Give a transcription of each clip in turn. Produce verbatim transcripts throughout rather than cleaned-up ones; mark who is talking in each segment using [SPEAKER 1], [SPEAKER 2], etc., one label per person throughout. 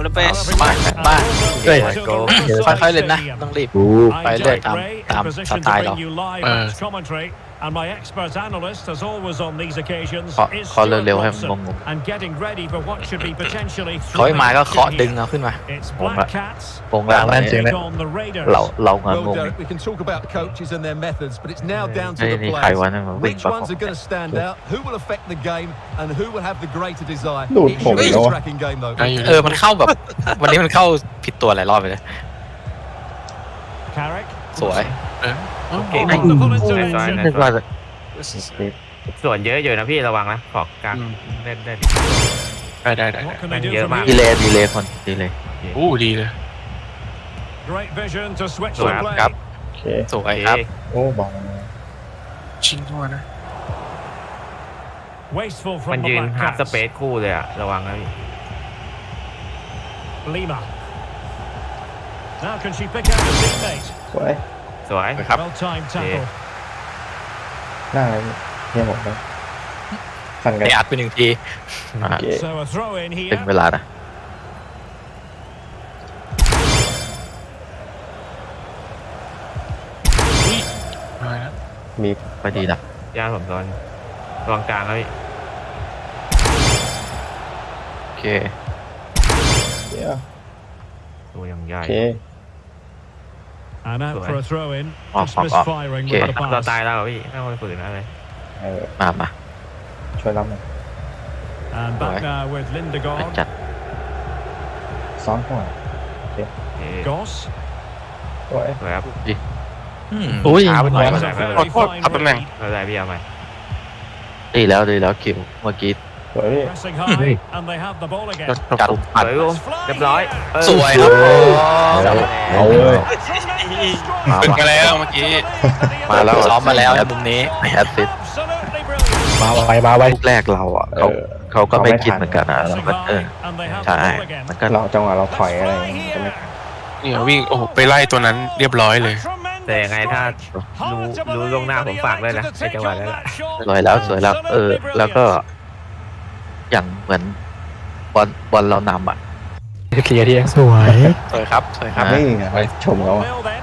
[SPEAKER 1] เป้บ้านบ้านเฮ้ยค่อยๆเล่นนะต้องรีบไปเรื่อยตามตามสไตล์เราเออ
[SPEAKER 2] And my expert analyst, as always on these occasions, is
[SPEAKER 1] เคาะเร็วๆให้มันงง
[SPEAKER 2] and getting ready for what should be potentially
[SPEAKER 1] ๆเขาให้มาก็เคาะดึงเอาขึ้นมา
[SPEAKER 2] It's Black Cats
[SPEAKER 1] วงล่างนั่นจริงนะ
[SPEAKER 2] on the Raiders.
[SPEAKER 1] เราเรางง
[SPEAKER 3] Well,
[SPEAKER 1] งง
[SPEAKER 3] Derek, we can talk about the coaches and their methods, but it's now down to
[SPEAKER 1] ไอ้
[SPEAKER 3] the
[SPEAKER 1] นี่ใคร
[SPEAKER 3] players.
[SPEAKER 1] วะนั่นมันวิ่ง
[SPEAKER 3] Which
[SPEAKER 1] ประก
[SPEAKER 3] ones
[SPEAKER 1] บ
[SPEAKER 3] are going to stand out? Who will affect the game, and who will have the greater desire?
[SPEAKER 4] ดูด
[SPEAKER 3] It
[SPEAKER 4] ผม
[SPEAKER 3] should be
[SPEAKER 4] แล้ว
[SPEAKER 3] a
[SPEAKER 4] วะ
[SPEAKER 3] tracking game, though.
[SPEAKER 1] เออมันเข้าแบบวันนี้มันเข้าผิดตัวหลายรอบไปเลย
[SPEAKER 2] Carrick.
[SPEAKER 1] สวย
[SPEAKER 2] Okay, wonderful intervention.
[SPEAKER 1] นึกว่าจะ
[SPEAKER 5] ส่วนเยอะอยู่นะพี่ระวังนะขอบกลางเล่นได้
[SPEAKER 6] ได้ได้ได้
[SPEAKER 2] What can they do
[SPEAKER 5] Yeah,
[SPEAKER 2] from
[SPEAKER 5] man.
[SPEAKER 1] ดี
[SPEAKER 2] here?
[SPEAKER 1] เลยดีเลยคนดีเลย
[SPEAKER 6] อู้ดีเลย
[SPEAKER 2] Great vision to switch
[SPEAKER 5] สวย
[SPEAKER 2] the
[SPEAKER 5] ครับ
[SPEAKER 2] play.
[SPEAKER 4] โอเค
[SPEAKER 1] สวยครับ
[SPEAKER 4] โอ้บอล
[SPEAKER 6] ชิงเข้ามานะ
[SPEAKER 2] Wasteful
[SPEAKER 5] มัน
[SPEAKER 2] from the
[SPEAKER 5] ยืน
[SPEAKER 2] Black
[SPEAKER 5] ฮาร์ดส
[SPEAKER 2] Cats.
[SPEAKER 5] เปซคู่เลยอะระวังนะพี่
[SPEAKER 2] Lima. Now can she pick out a teammate?
[SPEAKER 4] สวย
[SPEAKER 5] สวย
[SPEAKER 1] ครับ
[SPEAKER 2] Well timed tackle.
[SPEAKER 4] หน้าอะไรเนี่ยผมเลยสั่นกัน
[SPEAKER 1] ไปอัดไปหนึ่งที
[SPEAKER 4] โอเค
[SPEAKER 2] So a throw in
[SPEAKER 1] ถึง
[SPEAKER 2] here.
[SPEAKER 1] เวลานะ
[SPEAKER 6] มาแล้ว
[SPEAKER 4] มี
[SPEAKER 1] ไปดีนะ
[SPEAKER 5] ย่าผมซ้อนระวังกลางนะพี่
[SPEAKER 1] โอเค
[SPEAKER 4] เดี๋ยว
[SPEAKER 5] ตัวยังใหญ่
[SPEAKER 4] โอเค
[SPEAKER 2] And out for a throw in.
[SPEAKER 1] Off,
[SPEAKER 2] Just
[SPEAKER 1] off, off.
[SPEAKER 2] misfiring
[SPEAKER 1] Okay.
[SPEAKER 2] with the
[SPEAKER 5] เรา
[SPEAKER 2] pass.
[SPEAKER 5] ตายแล้วเหรอพี่ไม่ต้องไปฝืนอะไร
[SPEAKER 4] เออ
[SPEAKER 1] มามา
[SPEAKER 4] ช่วยรับหน่อย
[SPEAKER 2] And back
[SPEAKER 1] Right.
[SPEAKER 2] now with
[SPEAKER 1] ไป
[SPEAKER 2] Lindegaard.
[SPEAKER 1] จัด
[SPEAKER 4] ซ้อนก่อน
[SPEAKER 5] โอเค
[SPEAKER 2] Goss.
[SPEAKER 4] สวย
[SPEAKER 5] สวยครับ
[SPEAKER 1] อุ้ย
[SPEAKER 5] ช้าไปหน่อย
[SPEAKER 2] It's
[SPEAKER 5] ไม่
[SPEAKER 2] a
[SPEAKER 5] เป็นไร
[SPEAKER 2] very fine
[SPEAKER 6] ทับตำแหน่ง
[SPEAKER 2] read.
[SPEAKER 5] ไม่เป็นไรพี่เอาใหม่
[SPEAKER 1] ดีแล้วดีแล้วคิวเมื่อกี้
[SPEAKER 4] สวยพี่
[SPEAKER 2] Pressing high, and they have the ball again.
[SPEAKER 1] จัด
[SPEAKER 5] ส
[SPEAKER 1] อัด
[SPEAKER 5] วยผมเรียบร้อยเออ
[SPEAKER 1] สวยครับ
[SPEAKER 4] เอาเอาเลย
[SPEAKER 1] มา
[SPEAKER 6] ฝึก
[SPEAKER 1] ว่ะ
[SPEAKER 6] มาแล้วเมื่อกี้
[SPEAKER 1] มาแล้วซ้อมมาแล้วมุมนี้แอสซิส
[SPEAKER 2] Absolutely brilliant.
[SPEAKER 4] มาไวมาไว
[SPEAKER 1] ลูกแรกเราอ่ะเขาเขาก็ไม่คิดเหมือนกันนะเรา
[SPEAKER 2] Pressing
[SPEAKER 1] ก็เออ
[SPEAKER 2] high, and they have
[SPEAKER 1] ใช่
[SPEAKER 2] the ball again.
[SPEAKER 1] มันก็
[SPEAKER 4] เราจังหวะเราถอยอะไรอย่างเงี้ยก็ไม่
[SPEAKER 6] เนี่ยวิ่งโอ้โหไปไล่ตัวนั้นเรียบร้อยเลย
[SPEAKER 5] แต่ยังไงถ้ารู้รู้ล่วงหน้าผมฝากเลยนะในจังหวะนั้นแหละ
[SPEAKER 1] สวยแล้วสวยแล้ว เออ แล้วก็ อย่างเหมือนบอลบอลเรานำอ่ะ
[SPEAKER 4] เคลียร์ที่สวย
[SPEAKER 1] สวยครับสวยครับ
[SPEAKER 4] นี่ไงชมเขาอะ
[SPEAKER 2] Nil then.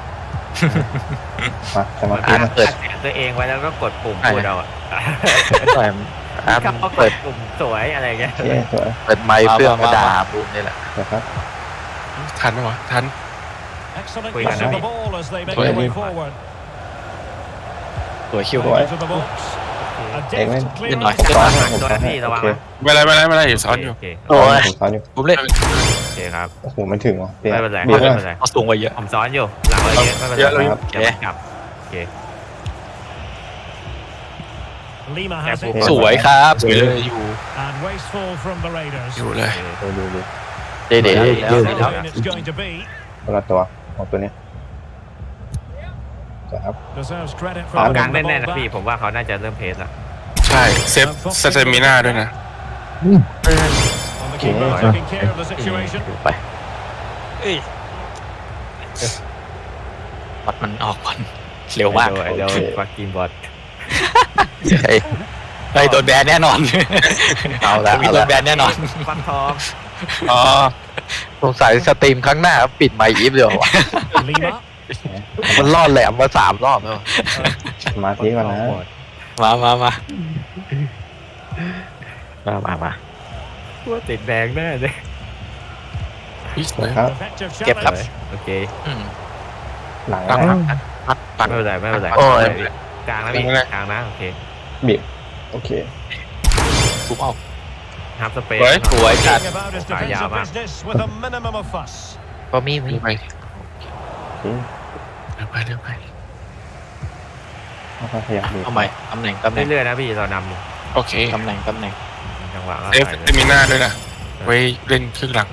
[SPEAKER 4] มาสมาธิ
[SPEAKER 1] อ่ะ
[SPEAKER 4] มา
[SPEAKER 1] เปิด
[SPEAKER 5] อัดเสียงตัวเองไว้แล้วก็กดปุ่มพูดเอาอะ
[SPEAKER 1] สวยอ่ะ
[SPEAKER 5] เขาก
[SPEAKER 1] เปิ
[SPEAKER 5] ด
[SPEAKER 1] ด
[SPEAKER 5] ปุ่มสวยอะไรอย่างเงี้ย
[SPEAKER 4] โอเคสวย
[SPEAKER 1] เปิดไมค์เพื่อมาด่าบูมนี่แหละ
[SPEAKER 4] นะครับ
[SPEAKER 6] ทันไหมวะทัน
[SPEAKER 2] Excellent
[SPEAKER 5] Wait,
[SPEAKER 2] use of
[SPEAKER 5] Anna.
[SPEAKER 2] the ball as they make
[SPEAKER 6] Wait,
[SPEAKER 2] their way
[SPEAKER 6] Anna.
[SPEAKER 2] forward.
[SPEAKER 1] สวยคิว
[SPEAKER 4] Wait.
[SPEAKER 2] Into the box. A
[SPEAKER 4] Hey, man.
[SPEAKER 2] deft
[SPEAKER 1] นิดหน่อย
[SPEAKER 2] clearance.
[SPEAKER 5] ตัวนะพี่ระวังนะ
[SPEAKER 6] ไม่เป็นไรไม่เป็นไรไม่เป็นไรอยู่ซ้อนอยู่
[SPEAKER 5] โอเค
[SPEAKER 1] โอ้ย
[SPEAKER 4] ผมซ้อนอยู่
[SPEAKER 1] ผมเล่น
[SPEAKER 5] โอเคครับ
[SPEAKER 4] โอ้โหไม่ถึงว่ะเปลี่ยน
[SPEAKER 5] ไม่เป็นไร
[SPEAKER 4] บี
[SPEAKER 5] ไม่
[SPEAKER 4] บ
[SPEAKER 5] เป็นไร
[SPEAKER 1] เขาสูงกว่าเยอะ
[SPEAKER 5] ผมซ้อนอยู่หลังไว้เยอะไม่เป็นไร
[SPEAKER 6] เยอะเลย
[SPEAKER 4] ครับ
[SPEAKER 5] เดี๋ยวมันกลับโอเค
[SPEAKER 2] Lima
[SPEAKER 5] Yeah,
[SPEAKER 2] has it.
[SPEAKER 5] ball.
[SPEAKER 1] สวยครับสวยเลย
[SPEAKER 6] อยู่
[SPEAKER 2] And wasteful from the Raiders.
[SPEAKER 6] อยู่เลย
[SPEAKER 4] ดูดูดู
[SPEAKER 1] เดี๋ยวเดี๋ยว
[SPEAKER 2] Throw
[SPEAKER 1] เดี๋ยว
[SPEAKER 2] in it's going to be.
[SPEAKER 4] คนละตัวของตัวนี้ครับ
[SPEAKER 2] Deserves credit
[SPEAKER 5] ขอ
[SPEAKER 2] for
[SPEAKER 5] กลาง
[SPEAKER 2] winning
[SPEAKER 5] แน่
[SPEAKER 2] the
[SPEAKER 5] นๆนะ
[SPEAKER 2] ball
[SPEAKER 5] พี่
[SPEAKER 2] back.
[SPEAKER 5] ผมว่าเขาน่าจะเริ่มเพสแล้ว
[SPEAKER 6] ใช่เซฟสเตมิน่าด้วยนะ
[SPEAKER 2] And the keeper
[SPEAKER 4] Okay.
[SPEAKER 2] taking care of the situation.
[SPEAKER 1] ดูไปวัดมันออกก่อนเร็วมาก
[SPEAKER 5] เดี๋ยวเดี๋ยวฟักกินบอล
[SPEAKER 1] ไอ้ไอ้โดนแบนแน่นอน เอาละมีโดนแบนแน่นอน
[SPEAKER 5] ฟักทอง
[SPEAKER 6] อ๋อ
[SPEAKER 1] สงสัยสตรีมครั้งหน้าปิดไมค์อีฟเดียววะ
[SPEAKER 2] Lima.
[SPEAKER 1] มันรอดแหลมมาสามรอบแล้ว
[SPEAKER 4] สมาธิก่อนนะ
[SPEAKER 1] มามามามามามา
[SPEAKER 5] ว่าติดแดงแน่เลย
[SPEAKER 6] วิ่งเลย
[SPEAKER 4] ครับ
[SPEAKER 2] Effective
[SPEAKER 1] เก็บครับ
[SPEAKER 2] challenge.
[SPEAKER 5] โอเค
[SPEAKER 1] อืม
[SPEAKER 4] หลัง
[SPEAKER 1] ปัก
[SPEAKER 4] นะ
[SPEAKER 1] ปักปัก
[SPEAKER 5] ไม่เป็นไรไม่เป็นไร
[SPEAKER 1] โอ้ย
[SPEAKER 5] กลางนะพี่กลางนะโอเค
[SPEAKER 4] บีบโอเค
[SPEAKER 1] ปุ๊บเอา
[SPEAKER 5] ฮับสเปซ
[SPEAKER 1] สวยจัด
[SPEAKER 2] Going about his
[SPEAKER 5] Ah, yeah,
[SPEAKER 2] defensive
[SPEAKER 5] man.
[SPEAKER 2] business with a minimum of fuss.
[SPEAKER 1] ก็มีมี
[SPEAKER 6] เร็วไป
[SPEAKER 4] โอเค
[SPEAKER 6] เร็วไปเร็วไป
[SPEAKER 4] แล้วก็ขยับบีบ
[SPEAKER 1] เอาใหม่ตำแหน่งตำแหน่ง
[SPEAKER 5] เรื่อยๆนะพี่เรานำอยู่
[SPEAKER 6] โอเค
[SPEAKER 1] ตำแหน่งตำแหน่ง
[SPEAKER 5] จังหวะก็
[SPEAKER 6] เซฟสเตมิน่าด้วยนะไว้เล่นครึ่งหลัง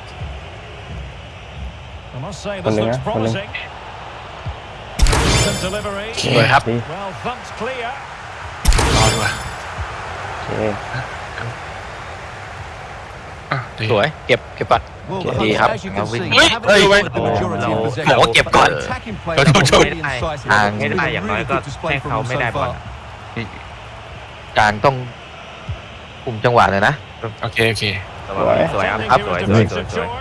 [SPEAKER 2] I must say this looks promising. Decent delivery.
[SPEAKER 1] สวยครับ
[SPEAKER 4] ดี
[SPEAKER 2] Well thumped clear.
[SPEAKER 6] รอดีกว่า
[SPEAKER 4] โอเค
[SPEAKER 6] อ่ะดี
[SPEAKER 1] สวยเก็บเก็บปัด
[SPEAKER 3] Well,
[SPEAKER 1] Okay.
[SPEAKER 3] the
[SPEAKER 1] Yeah.
[SPEAKER 3] Hunters, as you can
[SPEAKER 1] Hey.
[SPEAKER 3] see,
[SPEAKER 6] Hey.
[SPEAKER 3] haven't
[SPEAKER 6] Hey.
[SPEAKER 3] enjoyed the
[SPEAKER 5] Hey.
[SPEAKER 3] majority of
[SPEAKER 5] Hey.
[SPEAKER 3] possession.
[SPEAKER 1] บอกว่าเก็บก่อน
[SPEAKER 3] But attacking play
[SPEAKER 6] โทษโทษ
[SPEAKER 3] really incisive.
[SPEAKER 1] ทาง
[SPEAKER 5] ไม่ได้อย่างน้อยก็
[SPEAKER 3] Really good display
[SPEAKER 5] ให้
[SPEAKER 3] from
[SPEAKER 5] เขา
[SPEAKER 3] them
[SPEAKER 5] ไม่
[SPEAKER 3] so
[SPEAKER 5] ได้บอล
[SPEAKER 3] far.
[SPEAKER 1] กลางต้องคุมจังหวะเลยนะ
[SPEAKER 6] โอเคโอเค
[SPEAKER 1] เอ
[SPEAKER 5] ระวังสวยครับสวยสวยสวยสวย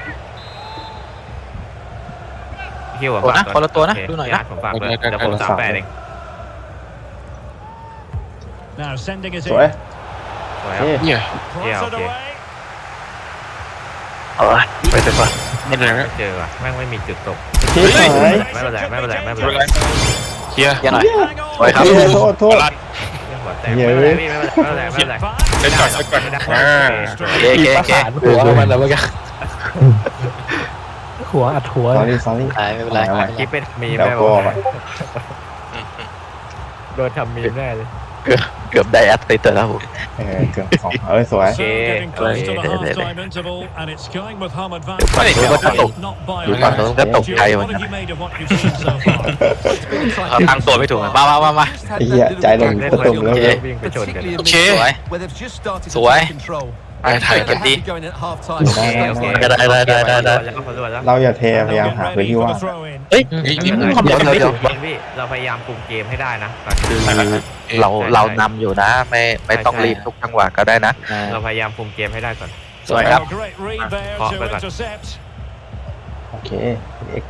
[SPEAKER 5] คิว
[SPEAKER 1] ตัวนะคนละตัวนะดูหน่อยนะ
[SPEAKER 5] ผมฝากเลยเดี๋ยวผมสามแปดเอง
[SPEAKER 2] Now sending it
[SPEAKER 4] สวย
[SPEAKER 2] in.
[SPEAKER 5] สวยครับ
[SPEAKER 6] เนี่ย
[SPEAKER 2] Cross it
[SPEAKER 5] okay.
[SPEAKER 2] away.
[SPEAKER 1] เออไปเถอะ
[SPEAKER 6] ไม่เป็นไร
[SPEAKER 5] ไม่
[SPEAKER 6] นะ
[SPEAKER 5] เจอว่ะแม่งไม่มีจุดตก
[SPEAKER 4] ชี้หาย
[SPEAKER 5] ไม่เป็นไรไม่เป็นไรไม่เป็น
[SPEAKER 6] ไม่
[SPEAKER 5] ไร
[SPEAKER 6] เป็นไรเคลียร์
[SPEAKER 1] ยังหน่อย
[SPEAKER 2] Hang on.
[SPEAKER 1] สวยครับ
[SPEAKER 4] เฮ้ยโทษโทษ
[SPEAKER 6] รัด
[SPEAKER 5] หัวแตกไม่เป็นไรพี่ไม่เป็นไรไม่เป็นไร
[SPEAKER 6] เซ็ตก่อนเซ็ตก่อนอ่า
[SPEAKER 1] เก๋เก๋เก๋หัวมันแล้วเมื่อกี้
[SPEAKER 7] หัวอัดหัว
[SPEAKER 4] สอรี่สอรี่
[SPEAKER 1] ไม่เป็นไร
[SPEAKER 5] คิดเป็นมีม
[SPEAKER 4] เดี๋ยว
[SPEAKER 5] ได้
[SPEAKER 4] ก็
[SPEAKER 5] ป่ะ
[SPEAKER 4] ไป
[SPEAKER 5] โดนทำมีมแน่เลย
[SPEAKER 1] เกือบเกือบได้แอตติดแล้วผม
[SPEAKER 4] เออเกือบสองเอ้ยสวย
[SPEAKER 2] So getting close to the
[SPEAKER 1] Okay.
[SPEAKER 2] half-time interval, and it's going with home advantage.
[SPEAKER 1] ไม่รู้ว่าจะตก
[SPEAKER 2] Not by
[SPEAKER 1] ดู
[SPEAKER 2] a
[SPEAKER 1] ฝั่ง
[SPEAKER 2] lot.
[SPEAKER 1] โน้นก็ตกใจ
[SPEAKER 2] Stuart,
[SPEAKER 1] เหมือน
[SPEAKER 2] what
[SPEAKER 1] กัน
[SPEAKER 2] have you made of what you've seen so far?
[SPEAKER 3] It's been exciting.
[SPEAKER 1] ตั้งตัวไม่ถูกมามามามา
[SPEAKER 4] ไอ้เหี้ยใจลง
[SPEAKER 5] เล่น
[SPEAKER 4] ก็
[SPEAKER 5] เหมื
[SPEAKER 4] ตุ่
[SPEAKER 5] อน
[SPEAKER 4] มแล้ว
[SPEAKER 5] เ
[SPEAKER 4] เลย
[SPEAKER 5] วิ่งไปชนกัน
[SPEAKER 3] Particularly in
[SPEAKER 1] Okay.
[SPEAKER 3] midfield,
[SPEAKER 1] Sủi.
[SPEAKER 3] where they've just started to
[SPEAKER 1] Sủi.
[SPEAKER 3] take control.
[SPEAKER 6] ไปถ่ายกัน
[SPEAKER 3] Happy going at half time.
[SPEAKER 4] ได้ได้
[SPEAKER 5] โอเค
[SPEAKER 4] ได้
[SPEAKER 1] ได้ได้ได้ได้ได้
[SPEAKER 5] แล้วก็พอรวดแล้ว
[SPEAKER 4] เราอย่าเทพยายาม
[SPEAKER 2] They'll
[SPEAKER 4] หา
[SPEAKER 2] get
[SPEAKER 4] พื้น
[SPEAKER 2] ready
[SPEAKER 4] ที่
[SPEAKER 2] for
[SPEAKER 4] ว่าง
[SPEAKER 2] the throw-in.
[SPEAKER 1] เฮ้ย
[SPEAKER 6] นี่
[SPEAKER 1] นี่
[SPEAKER 6] นี่
[SPEAKER 1] มัน
[SPEAKER 6] เดี๋ยว
[SPEAKER 1] เดี๋ยวเดี๋ยว
[SPEAKER 5] พี่เราพยายามคุมเกมให้ได้นะ
[SPEAKER 1] คือเราเรานำอยู่นะ ไม่ไม่ต้องรีบทุกจังหวะก็ได้นะ
[SPEAKER 5] เราพยายามคุมเกมให้ได้ก่อน
[SPEAKER 1] สวยครับ
[SPEAKER 2] A great read there
[SPEAKER 5] Caught
[SPEAKER 2] to
[SPEAKER 5] by that.
[SPEAKER 2] intercept.
[SPEAKER 4] โอเคเอ็กไป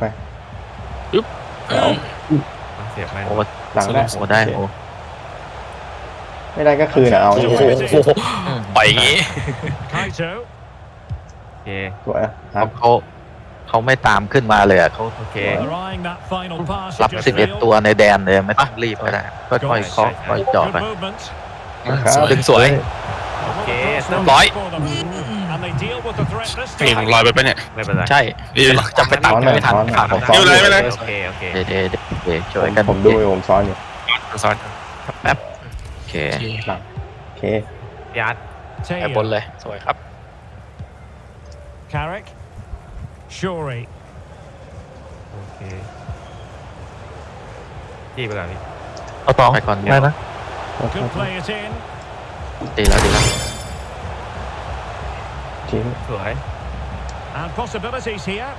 [SPEAKER 5] เสียบไหม
[SPEAKER 1] โอ้
[SPEAKER 4] หลังได้
[SPEAKER 1] โหได้โอ้
[SPEAKER 4] ไม่ได้ก็คืนอ่ะเอา
[SPEAKER 1] โหปล่อยอย่างงี้
[SPEAKER 2] Kaito.
[SPEAKER 5] โอเค
[SPEAKER 4] สวยครับ
[SPEAKER 1] เขาเขาไม่ตามขึ้นมาเลยอ่ะเขา
[SPEAKER 5] โอเค
[SPEAKER 2] They're eyeing that final pass.
[SPEAKER 1] รับ
[SPEAKER 2] it just
[SPEAKER 1] สิบเอ็ด
[SPEAKER 2] failed.
[SPEAKER 1] ตัวในแดนเลยไม่ต้องรีบก็ได้ค่อยๆเคาะค่อยๆเจาะ
[SPEAKER 2] Good
[SPEAKER 1] ไป
[SPEAKER 2] movement.
[SPEAKER 1] ดึงสวย
[SPEAKER 5] โอเค
[SPEAKER 2] Well,
[SPEAKER 5] เริ่ม
[SPEAKER 1] ร้อย
[SPEAKER 2] for them. And they deal with the threat this
[SPEAKER 6] เปลี่ยน
[SPEAKER 2] time.
[SPEAKER 6] ลอยไปปะเนี่ย
[SPEAKER 5] ไม่เป็นไร
[SPEAKER 1] ใช่
[SPEAKER 6] ดี
[SPEAKER 1] จะไปตัดไม่ทันขาด
[SPEAKER 4] ผม
[SPEAKER 6] ไม่เป็นไรไม่เป็นไร
[SPEAKER 5] โอเคโอเค
[SPEAKER 1] เดี๋ยวเดี๋ยวเดี๋ยวเดี๋ยวช่วยกัน
[SPEAKER 4] ผมดูอยู่ผมซ้อนอยู่
[SPEAKER 6] ซ้อน
[SPEAKER 1] แป๊บโอเค
[SPEAKER 6] โอเค
[SPEAKER 4] หลังโอเค
[SPEAKER 5] ยัด
[SPEAKER 1] แอบบน
[SPEAKER 2] Teo.
[SPEAKER 1] เลยสวยครับ
[SPEAKER 2] Carrick. Shuri.
[SPEAKER 5] โอเคจี้ไปก่อนพี่
[SPEAKER 1] เอาต่อไปก่อนได้นะ
[SPEAKER 2] Could play it in.
[SPEAKER 1] ดีแล้วดีแล้ว
[SPEAKER 4] ทิ้ง
[SPEAKER 5] สวย
[SPEAKER 2] And possibilities here.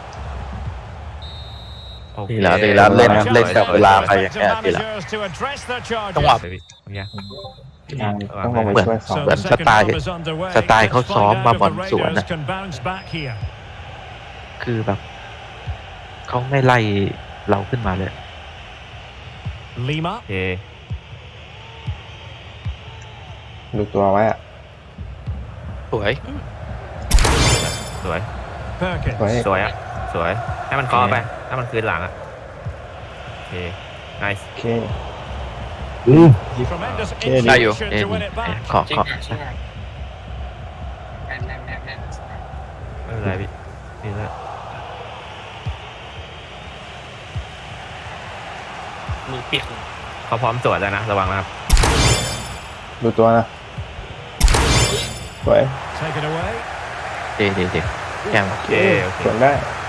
[SPEAKER 5] โอเค
[SPEAKER 1] ดีแล้วดีแล้วเล่นเล่นกับเวลาไปอย่างเงี้ยดีแล้ว
[SPEAKER 2] Managers to address their
[SPEAKER 1] จังหวะ
[SPEAKER 2] charges.
[SPEAKER 5] เนี่ย
[SPEAKER 4] ต้องลงไปช่วยซ้อม
[SPEAKER 2] So
[SPEAKER 1] เหมือน
[SPEAKER 2] the
[SPEAKER 1] ส
[SPEAKER 2] second
[SPEAKER 1] ไตล์
[SPEAKER 2] half is underway.
[SPEAKER 1] สไตล์เขา
[SPEAKER 2] Let's
[SPEAKER 1] ซ้อม
[SPEAKER 2] find
[SPEAKER 1] มา
[SPEAKER 2] out
[SPEAKER 1] บอ
[SPEAKER 2] if
[SPEAKER 1] ล
[SPEAKER 2] the
[SPEAKER 1] สวน
[SPEAKER 2] Raiders
[SPEAKER 1] น่ะ
[SPEAKER 2] can bounce back here.
[SPEAKER 1] คือแบบเขาไม่ไล่เราขึ้นมาเลย
[SPEAKER 2] Lima.
[SPEAKER 5] โอเค
[SPEAKER 4] ดูตัวไว้อะ
[SPEAKER 1] สวย
[SPEAKER 5] สวย
[SPEAKER 2] Perkins.
[SPEAKER 4] สวย
[SPEAKER 5] สวยอ่ะสวยให้มันเคอไปให้มันคืนหลังอ่ะโอเค nice
[SPEAKER 4] โอเค
[SPEAKER 2] Tremendous
[SPEAKER 4] Okay,
[SPEAKER 1] ได้อยู่
[SPEAKER 2] intuition
[SPEAKER 1] เอ็
[SPEAKER 2] to win it back.
[SPEAKER 1] ขอขอ
[SPEAKER 5] ไม่เป็นไรพี่นี่แหละมือเปียกเขาพร้อมตรวจแล้วนะระวังนะครับ
[SPEAKER 4] ดูตัวนะสวย
[SPEAKER 2] Take it away.
[SPEAKER 1] ดีดีดีแก้ม
[SPEAKER 5] โอเคโอเค
[SPEAKER 4] สวนได้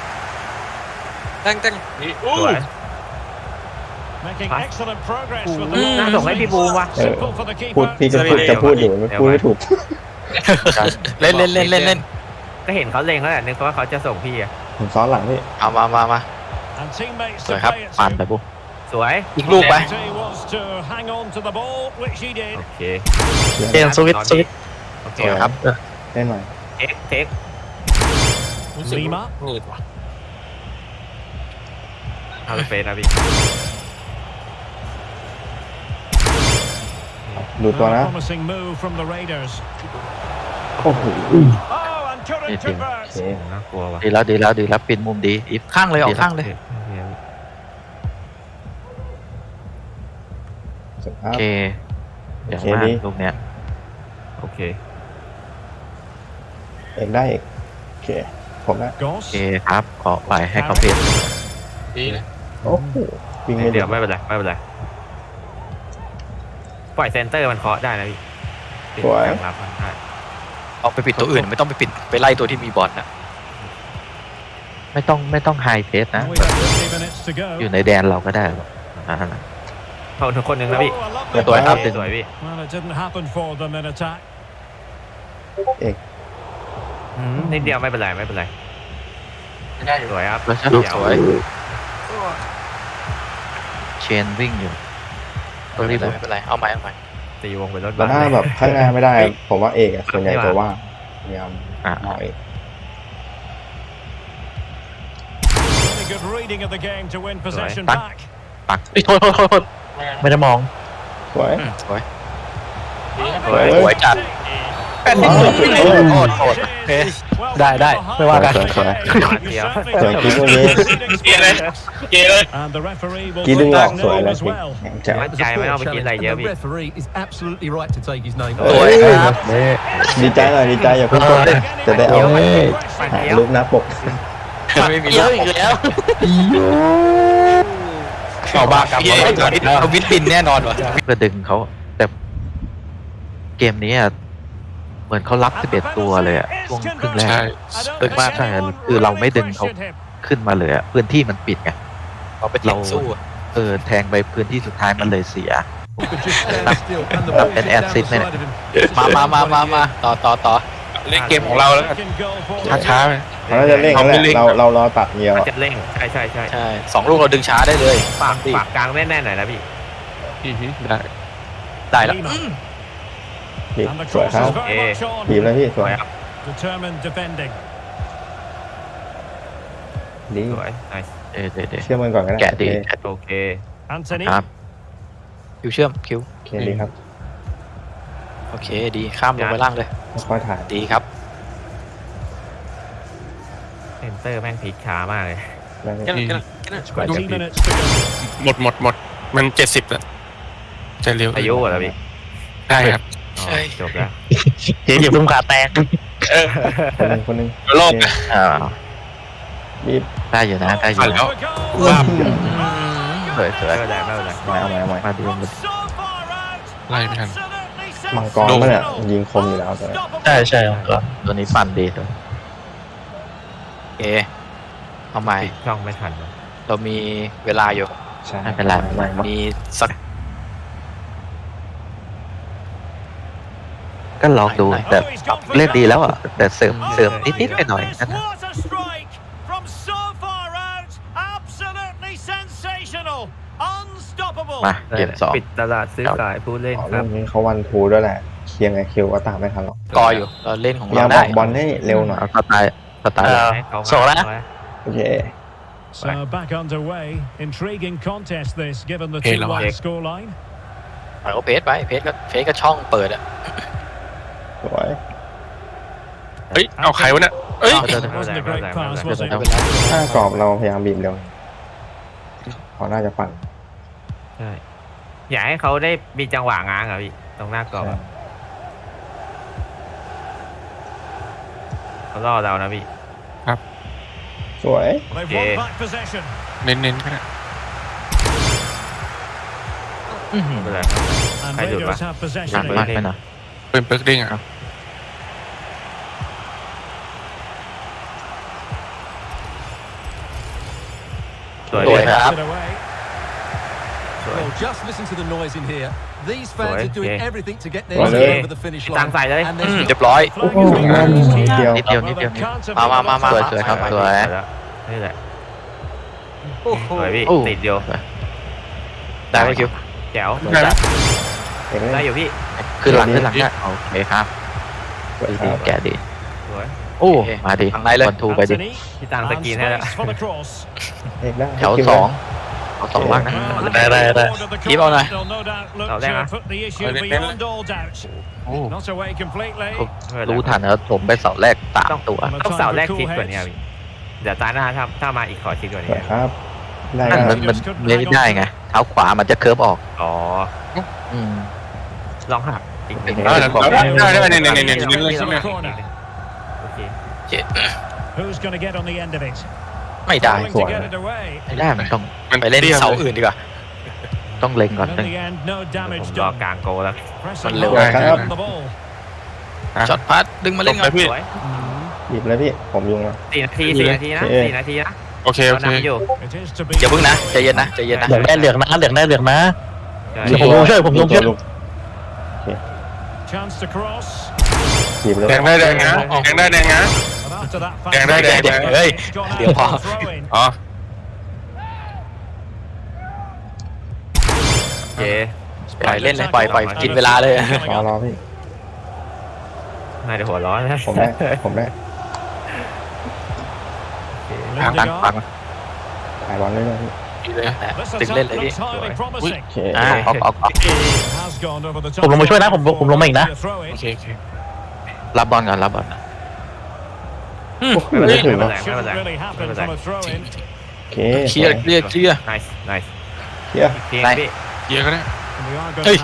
[SPEAKER 5] สวย
[SPEAKER 2] Making
[SPEAKER 5] Pass.
[SPEAKER 2] excellent progress with
[SPEAKER 5] อืม
[SPEAKER 2] the
[SPEAKER 5] น่า
[SPEAKER 2] ball.
[SPEAKER 5] ส่งให้พี่บูมว่ะ
[SPEAKER 4] เออ
[SPEAKER 2] Simple for the
[SPEAKER 4] พูด
[SPEAKER 2] keeper.
[SPEAKER 4] พี่จะพูดจะพูดอยู่ไม่พูดไม่ถูก
[SPEAKER 1] เล่นเล่นเล่นเล่นเล่น
[SPEAKER 5] ก็เห็นเขาเล็งแล้วแหละนึกว่าเขาจะส่งพี่อ่ะ
[SPEAKER 4] ผมซ้อนหลังพี่
[SPEAKER 1] เอามามามา
[SPEAKER 2] And teammates
[SPEAKER 1] สวย
[SPEAKER 2] to
[SPEAKER 1] ครับ
[SPEAKER 2] play it
[SPEAKER 1] ปานไป
[SPEAKER 2] to.
[SPEAKER 1] ปุ๊บ
[SPEAKER 5] สวย
[SPEAKER 1] อีกลูกไป
[SPEAKER 2] He wants to hang on to the ball, which he did.
[SPEAKER 5] โอเค
[SPEAKER 1] เกมสวิตช์สวิตช์
[SPEAKER 5] โอเค
[SPEAKER 1] สวยครับ
[SPEAKER 4] เล่นหน่อย
[SPEAKER 5] เทคเทค
[SPEAKER 2] Lima.
[SPEAKER 6] มืดว่ะ
[SPEAKER 5] เอาไปเฟสนะพี่
[SPEAKER 4] ดูตัว
[SPEAKER 2] A
[SPEAKER 4] นะ
[SPEAKER 2] promising move from the Raiders.
[SPEAKER 4] โอ้โห
[SPEAKER 2] Oh, and couldn't
[SPEAKER 1] Yes, yes.
[SPEAKER 2] convert.
[SPEAKER 4] โอเค
[SPEAKER 5] น่ากลัวว่ะ
[SPEAKER 1] ดีแล้วดีแล้วดีแล้วปิดมุมดีอีฟข้างเลยออกข้างเลย
[SPEAKER 4] สุดค
[SPEAKER 1] โอ
[SPEAKER 4] รับ
[SPEAKER 1] เคเดี๋ยว
[SPEAKER 4] โอเค
[SPEAKER 1] มา
[SPEAKER 4] ดี
[SPEAKER 1] ลูกเนี้ย
[SPEAKER 5] โอเค
[SPEAKER 4] เอกได้เอกโอเคผมนะ
[SPEAKER 1] โอ
[SPEAKER 2] Goss.
[SPEAKER 1] เคครับขอปล่อยให้เขาเพล
[SPEAKER 6] ดีเลย
[SPEAKER 4] โอ้โหวิ่งไม่
[SPEAKER 5] เดี๋
[SPEAKER 4] เดี๋
[SPEAKER 5] ย
[SPEAKER 4] ยว ว
[SPEAKER 5] ไม่เป็นไรไม่เป็นไรปล่อยเซนเตอร์มันเคาะได้นะพี่ปิดกลางรับมันได้
[SPEAKER 1] เอาไปปิดตัวอื่นไม่ต้องไปปิดไปไล่ตัวที่มีบอลนะไม่ต้องไม่ต้องไฮเพสนะ
[SPEAKER 2] And we've got fifty minutes to go.
[SPEAKER 1] อยู่ในแดนเราก็ได้หรอกอ่า
[SPEAKER 5] เขาทุกคนหนึ่งนะพี่
[SPEAKER 2] Oh, a lovely
[SPEAKER 1] สวยครับ
[SPEAKER 2] ball.
[SPEAKER 5] สวยพี่
[SPEAKER 2] Well, it didn't happen for them in attack.
[SPEAKER 5] อืมนิดเดียวไม่เป็นไรไม่เป็นไร
[SPEAKER 6] ได้อยู่
[SPEAKER 5] สวยครับ
[SPEAKER 1] แล้วชลูกสวยเชนวิ่งอยู่ตัวรีบไม่เป็นไรเอาใหม่เอาใหม่
[SPEAKER 5] ตีวงไปรถ
[SPEAKER 4] แล้วถ้าแบบข้างหน้าไม่ได้ ผมว่าเอกอะส่วนใหญ่จะว่าง
[SPEAKER 5] โ
[SPEAKER 4] พยายาม
[SPEAKER 7] อ่ะ
[SPEAKER 4] หน่อย
[SPEAKER 2] Very good reading of the game to win possession
[SPEAKER 7] Right.
[SPEAKER 2] back.
[SPEAKER 7] ปักเอ้ยโทษโทษโทษโทษไม่ได้มอง
[SPEAKER 4] สวย
[SPEAKER 1] อืมสวย
[SPEAKER 4] สวย
[SPEAKER 1] สวยจัด
[SPEAKER 4] โอ้โห
[SPEAKER 1] โทษโทษโอเคได้ได้ไม่ว่ากัน
[SPEAKER 7] สวยสวย
[SPEAKER 5] เดี๋ยว
[SPEAKER 4] สวยกิ๊กตรงนี้
[SPEAKER 6] เกียร์เลยเกียร์เลย
[SPEAKER 2] And the referee will
[SPEAKER 4] กิ๊กดึง
[SPEAKER 2] take
[SPEAKER 4] ออก
[SPEAKER 2] that
[SPEAKER 4] สวย
[SPEAKER 2] note
[SPEAKER 4] เลย
[SPEAKER 2] as
[SPEAKER 4] กิ๊ก
[SPEAKER 2] well.
[SPEAKER 4] แข็งแจ๋ว
[SPEAKER 5] มั่นใจไม่ต้องไปกินอะไรเยอะ
[SPEAKER 3] And
[SPEAKER 5] พี่
[SPEAKER 3] the referee is absolutely right to take his name
[SPEAKER 1] สวยครับ
[SPEAKER 4] ดีใจหน่อยดีใจอย่าเพิ่งกดจะได้เอา
[SPEAKER 5] เฮ้ย
[SPEAKER 4] หารูปหน้าปก
[SPEAKER 1] ไม่มีเยอะอีกแล้วเอาบ้ากับเอาวิทบินแน่นอนวะ
[SPEAKER 7] เพื่อดึงเขาแต่เกมนี้อะเหมือนเขารับสิบเอ็ดตัวเลยอะช่วงครึ่งแรก ดึงมากใช่คือเราไม่ดึงเขาขึ้นมาเลยอะพื้นที่มันปิดไง
[SPEAKER 1] เราไปแทงสู้อะ
[SPEAKER 7] เออแทงไปพื้นที่สุดท้ายมันเลยเสีย
[SPEAKER 3] could just stand still and the
[SPEAKER 7] รับ
[SPEAKER 3] ball
[SPEAKER 7] เป็น
[SPEAKER 3] is
[SPEAKER 7] แอด
[SPEAKER 3] down
[SPEAKER 7] ซิ
[SPEAKER 3] the
[SPEAKER 7] สต์ไหม
[SPEAKER 3] side of him.
[SPEAKER 1] มามามามามาต่อต่อต่อ
[SPEAKER 6] เล่นเกมของเราแล้วกัน
[SPEAKER 2] Second goal for
[SPEAKER 6] ช้าๆไป
[SPEAKER 4] เขาน่าจะเร่งแล้วแหละเราเรารอตัดเดียว
[SPEAKER 5] มัน
[SPEAKER 4] อะ
[SPEAKER 5] จะเร่งใช่ใช่ใช่
[SPEAKER 1] ใช่สองลูกเราดึงช้าได้เลย
[SPEAKER 5] ปาก
[SPEAKER 1] ดิ
[SPEAKER 5] ปากกลางแน่นๆหน่อยนะพี่
[SPEAKER 6] อือฮึได้
[SPEAKER 1] ได้แล้ว
[SPEAKER 2] Lima.
[SPEAKER 4] พี่
[SPEAKER 2] And the
[SPEAKER 4] สวย
[SPEAKER 2] cross
[SPEAKER 4] ครับ
[SPEAKER 2] is very much on.
[SPEAKER 4] บีบแล้วพี่ส
[SPEAKER 5] ส
[SPEAKER 4] ว
[SPEAKER 5] วย ยครับ
[SPEAKER 2] Determined defending.
[SPEAKER 4] ดี
[SPEAKER 5] สวย nice
[SPEAKER 7] เดี๋ยวเดี๋ยวเดี๋ยว
[SPEAKER 4] เชื่อมันก่อนก็ได้
[SPEAKER 7] แกะดี
[SPEAKER 4] โอเค
[SPEAKER 7] แกะ
[SPEAKER 5] โอเค
[SPEAKER 2] Anthony.
[SPEAKER 7] ครับ
[SPEAKER 1] คิวเชื่อมคิว
[SPEAKER 4] โอเคดีครับ
[SPEAKER 1] โอเคดีข้ามลงไปล่างเลย
[SPEAKER 4] ค่อยๆถ่าย
[SPEAKER 1] ดีครับ
[SPEAKER 5] เซนเตอร์แม่งพลิกช้ามากเลย
[SPEAKER 4] ได้ไหม
[SPEAKER 2] twenty minutes to go.
[SPEAKER 6] หมดหมดหมดมันเจ็ดสิบแล้วจะเร็ว
[SPEAKER 5] อายุเหรอพี่
[SPEAKER 6] ได้ครับ
[SPEAKER 5] อ๋อ
[SPEAKER 1] ใช่
[SPEAKER 5] จบแล้ว
[SPEAKER 7] เจ๊อย่าเพิ่งขาแตก
[SPEAKER 4] คนหนึ่งคนหนึ่ง
[SPEAKER 6] โลก
[SPEAKER 4] โอเค
[SPEAKER 7] อ่า
[SPEAKER 4] บีบ
[SPEAKER 7] ได้อยู่นะได้อยู่
[SPEAKER 6] ผ่านแล้ว
[SPEAKER 2] For goal.
[SPEAKER 7] สวยสวย
[SPEAKER 5] ไม่เป็นไรไม่เป็นไร
[SPEAKER 4] เอาใหม่เอาใหม่เอาใหม่
[SPEAKER 7] มาดู
[SPEAKER 2] From
[SPEAKER 7] มัน
[SPEAKER 2] so far out.
[SPEAKER 6] ไล่ไม่ทัน
[SPEAKER 2] Absolutely
[SPEAKER 4] มังกรมันเนี่ยยิงคมอยู่แล้วแต่
[SPEAKER 2] sensational.
[SPEAKER 7] ใช่ใช่ครับตัวนี้ปั่นดีตัว
[SPEAKER 1] โอเคเอาใหม่
[SPEAKER 5] ปิดช่องไม่ทัน
[SPEAKER 1] เรามีเวลาอยู่
[SPEAKER 4] ใช่
[SPEAKER 7] ไม่เป็นไรไม่เป็นไร
[SPEAKER 1] มีสัก
[SPEAKER 7] ก็ลองดู
[SPEAKER 2] Oh,
[SPEAKER 7] แต่
[SPEAKER 2] he's gone for
[SPEAKER 7] เล่นดี
[SPEAKER 2] goal.
[SPEAKER 7] แล้วอ่ะแต่เสริม
[SPEAKER 2] Oh,
[SPEAKER 7] เสริม
[SPEAKER 2] my
[SPEAKER 7] นิดๆไปหน่อย
[SPEAKER 2] goodness,
[SPEAKER 7] นั่นนะ
[SPEAKER 2] what a strike from so far out. Absolutely sensational. Unstoppable.
[SPEAKER 7] มาเกมสอง
[SPEAKER 5] ปิดตลาดซื้อขายผู้เล่น
[SPEAKER 4] อ๋อ
[SPEAKER 5] ครั
[SPEAKER 4] เรื่
[SPEAKER 5] บ
[SPEAKER 4] องนี้เขาวันทูด้วยแหละเคลียร์ไงคิวก็ตามไม่ทันหรอก
[SPEAKER 1] กออยู่เราเล่นของ
[SPEAKER 4] พยายา
[SPEAKER 1] เรา
[SPEAKER 4] มอ
[SPEAKER 1] ได้
[SPEAKER 4] อกบอลให้เร็วหน่อย
[SPEAKER 7] เอาสไตล์สไตล์
[SPEAKER 5] ให้เขา
[SPEAKER 7] ส่งแล้วนะ
[SPEAKER 4] โอเค
[SPEAKER 2] So back underway. Intriguing contest this, given the
[SPEAKER 6] Hey,
[SPEAKER 2] two-one
[SPEAKER 5] Lamar.
[SPEAKER 2] scoreline.
[SPEAKER 1] ปล่อยเขาเพจไปเพจก็เพจก็ช่องเปิดอะ
[SPEAKER 4] สวย
[SPEAKER 6] เฮ้ยเอาใครวะเนี่ยเอ้ย
[SPEAKER 2] It wasn't a great pass, was it?
[SPEAKER 4] ถ้ากรอบเราพยายามบีบเร็วเขาน่าจะปั่น
[SPEAKER 5] ใช่อยากให้เขาได้มีจังหวะง้างอะพี่ตรงหน้ากรอบอะเขาล่อเรานะพี่
[SPEAKER 4] สวย
[SPEAKER 2] They've
[SPEAKER 5] Yeah.
[SPEAKER 2] won back possession.
[SPEAKER 6] เน้นๆก็ได้
[SPEAKER 7] อื้อหือ
[SPEAKER 5] ไม่เป็นไร
[SPEAKER 2] And
[SPEAKER 5] Hay được
[SPEAKER 2] Raiders
[SPEAKER 5] mà.
[SPEAKER 2] have
[SPEAKER 7] ห
[SPEAKER 2] possession
[SPEAKER 7] นักมาก
[SPEAKER 2] again.
[SPEAKER 7] ไปหน่อย
[SPEAKER 6] เป็นเปิร์กเด้งอ่ะ
[SPEAKER 5] สวย
[SPEAKER 1] สวย
[SPEAKER 5] เลย
[SPEAKER 1] ครับ
[SPEAKER 2] It away.
[SPEAKER 5] สวย
[SPEAKER 3] Well, just listen to the noise in here. These fans
[SPEAKER 5] Rồi,
[SPEAKER 3] are doing
[SPEAKER 5] yeah.
[SPEAKER 3] everything to get their
[SPEAKER 4] Rồi,
[SPEAKER 3] team
[SPEAKER 4] đi.
[SPEAKER 3] over the finish
[SPEAKER 5] ตั้ง
[SPEAKER 3] line.
[SPEAKER 5] ใส่เลย
[SPEAKER 3] And
[SPEAKER 1] อื
[SPEAKER 3] there's
[SPEAKER 1] มเรียบร้อย
[SPEAKER 2] Flag
[SPEAKER 4] โอ้
[SPEAKER 2] has
[SPEAKER 4] โห
[SPEAKER 2] been raised.
[SPEAKER 4] นิดเดียว
[SPEAKER 7] นิดเดียวนิด
[SPEAKER 2] Well,
[SPEAKER 7] เดียว
[SPEAKER 2] they
[SPEAKER 7] นิด
[SPEAKER 2] can't have
[SPEAKER 1] มามามามา
[SPEAKER 7] สวยสวยครับสวย
[SPEAKER 5] นี่แหละ
[SPEAKER 1] โอ้โห
[SPEAKER 5] สวยพี่
[SPEAKER 7] โอ้
[SPEAKER 5] ติดอยู่
[SPEAKER 1] ได้ไหมคิว
[SPEAKER 5] แจ๋ว
[SPEAKER 6] ได้ไหม
[SPEAKER 4] เก่งเล
[SPEAKER 5] ได้
[SPEAKER 4] ย
[SPEAKER 5] อยู่พี่
[SPEAKER 7] ขึ้นหลังขึ้นหลังเนี่ยโอเคครับ
[SPEAKER 4] สวย
[SPEAKER 7] ดี
[SPEAKER 4] ค
[SPEAKER 7] ดี
[SPEAKER 4] รับ
[SPEAKER 7] แกะดี
[SPEAKER 5] สวย
[SPEAKER 7] โอ้มาดี
[SPEAKER 1] ทางในเลย
[SPEAKER 7] บอลทูไปดิ
[SPEAKER 2] Anthony.
[SPEAKER 5] พี่ตังส
[SPEAKER 2] And
[SPEAKER 5] กรีนให้แล้ว
[SPEAKER 2] space for the cross.
[SPEAKER 4] เอกได้
[SPEAKER 7] แถวสองเอาสองบ้างนะ
[SPEAKER 2] Well,
[SPEAKER 7] ได้ได้ได้
[SPEAKER 2] looking forward to the
[SPEAKER 1] Keep on
[SPEAKER 2] corner.
[SPEAKER 1] there.
[SPEAKER 2] They'll no doubt look
[SPEAKER 5] Đâu, đang
[SPEAKER 2] to
[SPEAKER 5] à?
[SPEAKER 2] put the issue
[SPEAKER 6] Rồi, lên, lên,
[SPEAKER 2] beyond all doubt.
[SPEAKER 6] โอ้
[SPEAKER 2] Not away completely.
[SPEAKER 7] รู้ทันแล้วผมไปเสาแรกสามตัว
[SPEAKER 5] ต้องเสาแรกคิดกว่านี้พี่เดี๋ยวตาหน้าถ้าถ้ามาอีกขอคิดกว่า
[SPEAKER 4] ส
[SPEAKER 5] นี้
[SPEAKER 4] วยครับ ได้
[SPEAKER 7] นั่น
[SPEAKER 4] ค
[SPEAKER 7] มั
[SPEAKER 4] รับ
[SPEAKER 7] นมันไม่ได้ไงเท้าขวามันจะเคิร์ฟออก
[SPEAKER 5] อ๋อ
[SPEAKER 7] อืม
[SPEAKER 5] ลองหักอีกนิด
[SPEAKER 6] ได้ได้ได้ได้ได้ได้ได้ได้เลยใช่ไหม
[SPEAKER 5] โอเค
[SPEAKER 2] Who's going to get on the end of it?
[SPEAKER 1] ไม่ได้
[SPEAKER 2] Going to get it away.
[SPEAKER 7] ไม่ได้มันต้อง
[SPEAKER 6] มัน
[SPEAKER 1] ไปเล่น
[SPEAKER 6] ตี้ยว
[SPEAKER 1] เสาอื่นดีกว่า
[SPEAKER 7] ต้องเล็งก่อน
[SPEAKER 2] And
[SPEAKER 7] นึ
[SPEAKER 2] in
[SPEAKER 7] ง
[SPEAKER 2] the end, no
[SPEAKER 5] ผม
[SPEAKER 2] damage
[SPEAKER 5] รอ
[SPEAKER 2] done.
[SPEAKER 5] กลางโกแล้ว
[SPEAKER 2] Pressing
[SPEAKER 1] Mình
[SPEAKER 2] hard
[SPEAKER 4] liều.
[SPEAKER 2] on the ball.
[SPEAKER 1] ช็อตพัดดึงมาเล่น
[SPEAKER 6] ต
[SPEAKER 1] กัน
[SPEAKER 6] บไปพี่
[SPEAKER 5] สวย
[SPEAKER 4] บีบเลยพี่ ผมยุงแล้ว
[SPEAKER 5] สี่นาทีสี่นาทีนะ
[SPEAKER 4] โอเค
[SPEAKER 5] สี่นาทีนะ
[SPEAKER 6] โอเคโอ
[SPEAKER 5] เรา
[SPEAKER 6] เค
[SPEAKER 5] นำอยู่
[SPEAKER 2] It is to be.
[SPEAKER 1] อย่าเพิ่งนะใจเย็นนะใจเย็นนะ
[SPEAKER 7] เหลืองได้เหลืองนะเหลืองได้เหลืองนะ
[SPEAKER 5] ใช่
[SPEAKER 7] เดี๋ยวผมลงช่วยผมลงช่วย
[SPEAKER 2] Chance to cross.
[SPEAKER 4] บีบเลย
[SPEAKER 6] แดงได้แดงนะแดงได้แดงนะ
[SPEAKER 2] And after that,
[SPEAKER 6] Đèn đây, đèn, đèn.
[SPEAKER 1] Ê,
[SPEAKER 2] it's gone
[SPEAKER 1] điều
[SPEAKER 2] out
[SPEAKER 1] hòa.
[SPEAKER 2] for a throw-in.
[SPEAKER 6] อ๋อ
[SPEAKER 5] โอเค
[SPEAKER 1] ปล่อยเล่นเลยปล่อยปล่อยกินเวลาเลย
[SPEAKER 4] รอรอพี่
[SPEAKER 5] มนายเดี๋ยวหัวร้อนนะ
[SPEAKER 4] ผมได้ผมได้
[SPEAKER 7] ทางตังตัง
[SPEAKER 4] ถ่ายบอลเรื่อยๆพี่
[SPEAKER 6] ดีเลย
[SPEAKER 1] ตึงเล่นเลยพี่
[SPEAKER 4] โอเค
[SPEAKER 1] อ่า
[SPEAKER 7] ออกออกออก
[SPEAKER 2] ผมลงมาช่วยนะผมผมลงมาอีกนะ
[SPEAKER 6] โอเคโอเค
[SPEAKER 7] รับบอลก่อนรับบอลนะ
[SPEAKER 4] โอ้โหไม่ถึง
[SPEAKER 5] ไม่
[SPEAKER 4] หร
[SPEAKER 5] เป็
[SPEAKER 4] อน
[SPEAKER 5] ไรไม่เป็นไรไม่เป็นไร
[SPEAKER 4] โอเค
[SPEAKER 1] เคลียร์เคลียร์เคลียร์
[SPEAKER 5] nice nice
[SPEAKER 4] เคลียร์
[SPEAKER 5] เพียงพี่
[SPEAKER 6] เยอะก็ได้
[SPEAKER 2] เฮ้ย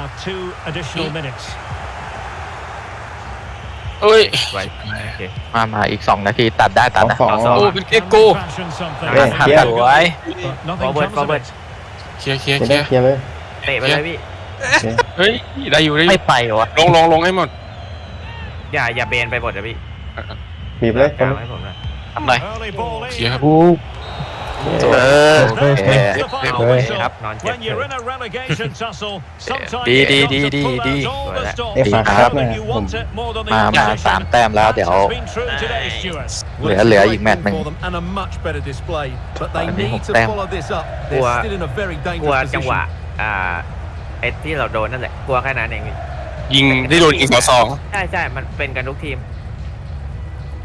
[SPEAKER 6] เอ้ย
[SPEAKER 5] ไว้โอเค
[SPEAKER 7] มามาอีกสองนาทีตัดได้ตัดนะ
[SPEAKER 4] สองสอง
[SPEAKER 6] โอ้เป็นเกโก้
[SPEAKER 4] เฮ้ย
[SPEAKER 1] หัก
[SPEAKER 4] เคลียร์
[SPEAKER 1] สวย
[SPEAKER 5] forward forward
[SPEAKER 6] เคลียร์เคลียร์
[SPEAKER 4] เคลี
[SPEAKER 6] เคลี
[SPEAKER 4] ย
[SPEAKER 6] ย
[SPEAKER 4] ร์
[SPEAKER 6] ร์
[SPEAKER 4] เคลียร์เลย
[SPEAKER 5] เตะไปเลยพี่
[SPEAKER 4] โอเค
[SPEAKER 6] เฮ้ยได้อยู่ได้อ
[SPEAKER 1] ไม่
[SPEAKER 6] ยู่
[SPEAKER 1] ไปวะ
[SPEAKER 6] ลงลงลงให้หมด
[SPEAKER 5] อย่าอย่าเบนไปหมดนะพี่
[SPEAKER 4] บีบเลย
[SPEAKER 5] กลางให้ผมนะ
[SPEAKER 1] ทำหน่อย
[SPEAKER 6] เคลียร์ครับ
[SPEAKER 4] กู
[SPEAKER 7] เออ
[SPEAKER 4] เฮ้ยเฮ้ย
[SPEAKER 5] เอา
[SPEAKER 4] เฮ้ย
[SPEAKER 5] ครับนอนเจ็บ
[SPEAKER 2] When
[SPEAKER 5] เลย
[SPEAKER 2] you're in a relegation tussle, sometimes
[SPEAKER 1] Đi,
[SPEAKER 2] you
[SPEAKER 1] đi,
[SPEAKER 2] got
[SPEAKER 1] đi,
[SPEAKER 2] to
[SPEAKER 1] đi,
[SPEAKER 2] pull
[SPEAKER 1] đi.
[SPEAKER 2] out all the stops.
[SPEAKER 4] เอ้ยฝากครับหน่อย
[SPEAKER 2] You
[SPEAKER 4] ผม
[SPEAKER 2] want it more than the
[SPEAKER 7] มามา
[SPEAKER 2] opposition.
[SPEAKER 7] สามแต้มแล้วเดี๋ยว
[SPEAKER 2] That's been true today, Stuart.
[SPEAKER 7] เหลือเหลืออีกแมตช์หนึ่ง
[SPEAKER 3] For them and a much better display, but they
[SPEAKER 7] Anh đi
[SPEAKER 3] need
[SPEAKER 7] một
[SPEAKER 3] to
[SPEAKER 7] tem.
[SPEAKER 3] follow this up.
[SPEAKER 5] Ủa,
[SPEAKER 3] They're still in a very
[SPEAKER 5] กลัว
[SPEAKER 3] dangerous
[SPEAKER 5] จังหวะ
[SPEAKER 3] position.
[SPEAKER 5] อ่าไอ้ที่เราโดนนั่นแหละกลัวแค่นั้นเองพี่
[SPEAKER 6] ยิงได้โดนยิงสองสอง
[SPEAKER 5] ใช่ใช่มันเป็นกันทุกทีม